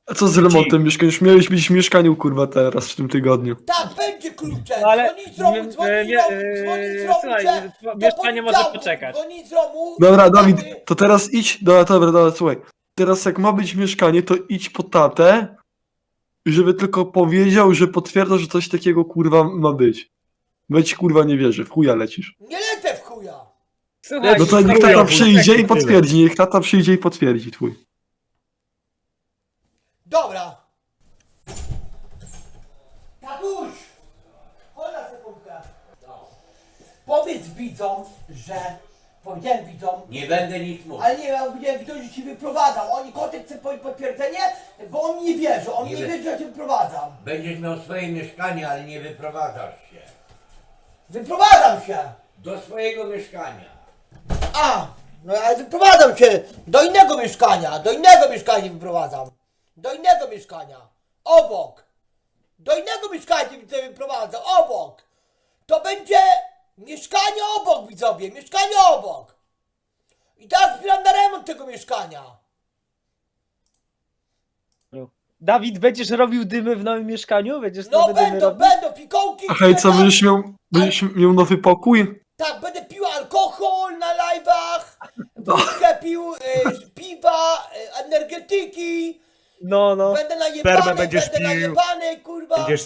A co z remontem mieszkania? Już miałeś być w mieszkaniu, kurwa, teraz, w tym tygodniu. Tak, będzie kluczem. No ale- Dzwoni z Romu, dzwoni z Romu, słuchaj, że do mieszkanie może poniedziałku. poczekać. Dzwoni z Romu. Dobra, Dawid, taty. to teraz idź, dobra, słuchaj. Teraz jak ma być mieszkanie, to idź po tatę, żeby tylko powiedział, że potwierdza, że coś takiego, kurwa, ma być. Bo ci, kurwa, nie wierzy, w chuja lecisz. Nie lecę w chuja. Słuchaj, No to niech chujowo, tata przyjdzie tak i potwierdzi, niech tata przyjdzie i potwierdzi twój. Dobra. Tatuś! Chodź na sekundkę. Powiedz widzom, że... Powiedziałem widzom, Nie będę nic mówił. ale nie, ja powiedziałem widzom, że ci wyprowadzam. Oni kotek chce potwierdzenie, bo on mi nie wierzy. On mi nie Nie wierzy, że ja cię wyprowadzam. Będziesz miał swoje mieszkanie, ale nie wyprowadzasz się. Wyprowadzam się! Do swojego mieszkania. A! No ale wyprowadzam się do innego mieszkania wyprowadzam. Do innego mieszkania. Obok. Do innego mieszkania widzę wyprowadzam. Obok. To będzie mieszkanie obok, widzowie. Mieszkanie obok. I teraz zbieram na remont tego mieszkania. Dawid, będziesz robił dymy w nowym mieszkaniu? Będziesz No nowe dymy robił? będą fikołki. A hej, co, będziesz miał nowy pokój? Tak, będę pił alkohol na live'ach. Wódkę pił, piwa, energetyki. No. Będę najebany, będziesz pił. najebany, kurwa. Będziesz